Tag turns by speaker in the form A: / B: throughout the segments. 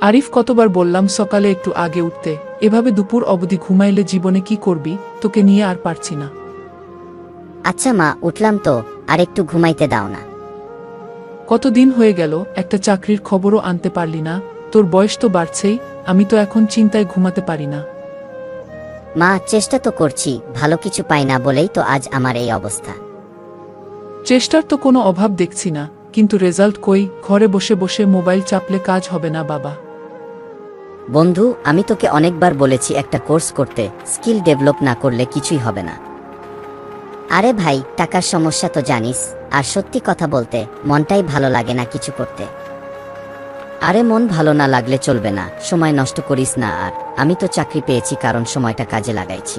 A: আরিফ কতবার বললাম সকালে একটু আগে উঠতে, এভাবে দুপুর অবধি ঘুমাইলে জীবনে কি করবি, তোকে নিয়ে আর পারছি না।
B: আচ্ছা মা, উঠলাম তো, আর একটু ঘুমাইতে দাও না।
A: কতদিন হয়ে গেল, একটা চাকরির খবরও আনতে পারলি না। তোর বয়স তো বাড়ছেই, আমি তো এখন চিন্তায় ঘুমাতে পারি না।
B: মা, চেষ্টা তো করছি, ভালো কিছু পাই না বলেই তো আজ আমার এই অবস্থা।
A: চেষ্টার তো কোনো অভাব দেখছি না, কিন্তু রেজাল্ট কই? ঘরে বসে বসে মোবাইল চাপলে কাজ হবে না বাবা।
B: বন্ধু, আমি তোকে অনেকবার বলেছি একটা কোর্স করতে, স্কিল ডেভেলপ না করলে কিছুই হবে না। আরে ভাই, টাকার সমস্যা তো জানিস, আর সত্যি কথা বলতে মনটাই ভালো লাগে না কিছু করতে। আরে মন ভালো না লাগলে চলবে না, সময় নষ্ট করিস না। আর আমি তো চাকরি পেয়েছি কারণ সময়টা কাজে লাগাইছি।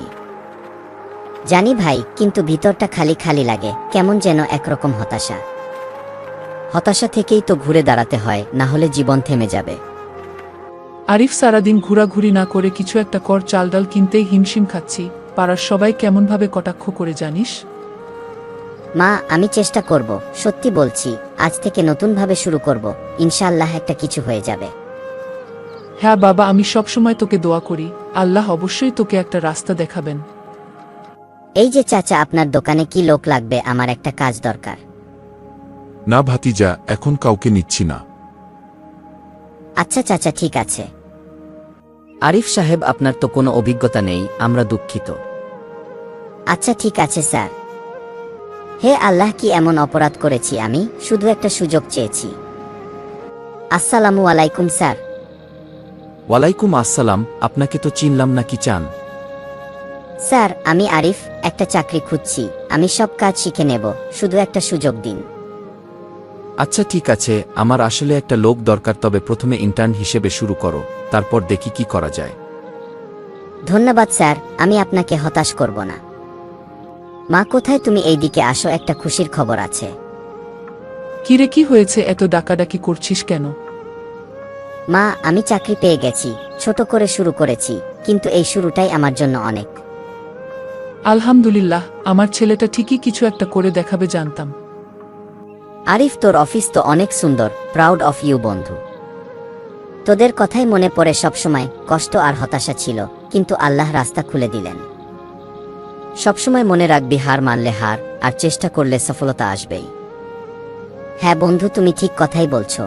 B: জানি ভাই, কিন্তু ভিতরটা খালি খালি লাগে, কেমন যেন একরকম হতাশা। হতাশা থেকেই তো ঘুরে দাঁড়াতে হয়, না হলে জীবন থেমে যাবে।
A: আরিফ, সারাদিন ঘোরাঘুরি না করে কিছু একটা কর। চাল ডাল কিনতেই হিমশিম খাচ্ছি, পাড়ার সবাই কেমনভাবে কটাক্ষ করে জানিস।
B: মা, আমি চেষ্টা করব, সত্যি বলছি। আজ থেকে নতুনভাবে শুরু করব, ইনশাআল্লাহ একটা কিছু হয়ে যাবে।
A: হ্যাঁ বাবা, আমি সবসময় তোকে দোয়া করি, আল্লাহ অবশ্যই তোকে একটা রাস্তা দেখাবেন।
B: এই যে চাচা, আপনার দোকানে কি লোক লাগবে? আমার একটা কাজ দরকার।
C: না ভাতিজা, এখন কাউকে নিচ্ছি না।
B: আচ্ছা চাচা, ঠিক আছে।
D: আরিফ সাহেব, আপনার তো কোনো অভিজ্ঞতা নেই, আমরা দুঃখিত।
B: আচ্ছা ঠিক আছে স্যার। হে আল্লাহ, কি এমন অপরাধ করেছি আমি? শুধু একটা সুযোগ চেয়েছি। আসসালামু আলাইকুম স্যার।
D: ওয়ালাইকুম আসসালাম। আপনাকে তো চিনলাম না, কি চান?
B: স্যার, আমি আরিফ, একটা চাকরি খুঁজছি। আমি সব কাজ শিখে নেব, শুধু একটা সুযোগ দিন।
D: আচ্ছা ঠিক আছে, আমার আসলে একটা লোক দরকার, তবে প্রথমে ইন্টার্ন হিসেবে শুরু করো, তারপর দেখি কি করা যায়।
B: ধন্যবাদ স্যার, আমি আপনাকে হতাশ করব না। মা কোথায়? তুমি এইদিকে আসো, একটা খুশির খবর আছে।
A: কিরে, কি হয়েছে? এত ডাকাডাকি করছিস কেন?
B: মা, আমি চাকরি পেয়ে গেছি। ছোট করে শুরু করেছি, কিন্তু এই শুরুটাই আমার জন্য অনেক।
A: আলহামদুলিল্লাহ, আমার ছেলেটা ঠিকই কিছু একটা করে দেখাবে, জানতাম।
B: আরিফ, তোর অফিস তো অনেক সুন্দর, প্রাউড অফ ইউ বন্ধু। তোদের কথাই মনে পড়ে সবসময়। কষ্ট আর হতাশা ছিল, কিন্তু আল্লাহ রাস্তা খুলে দিলেন। সবসময় মনে রাখবি, হার মানলে হার, আর চেষ্টা করলে সফলতা আসবেই। হ্যাঁ বন্ধু, তুমি ঠিক কথাই বলছো।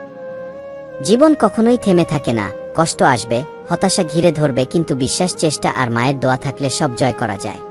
B: জীবন কখনোই থেমে থাকে না, কষ্ট আসবে, হতাশা ঘিরে ধরবে, কিন্তু বিশ্বাস, চেষ্টা আর মায়ের দোয়া থাকলে সব জয় করা যায়।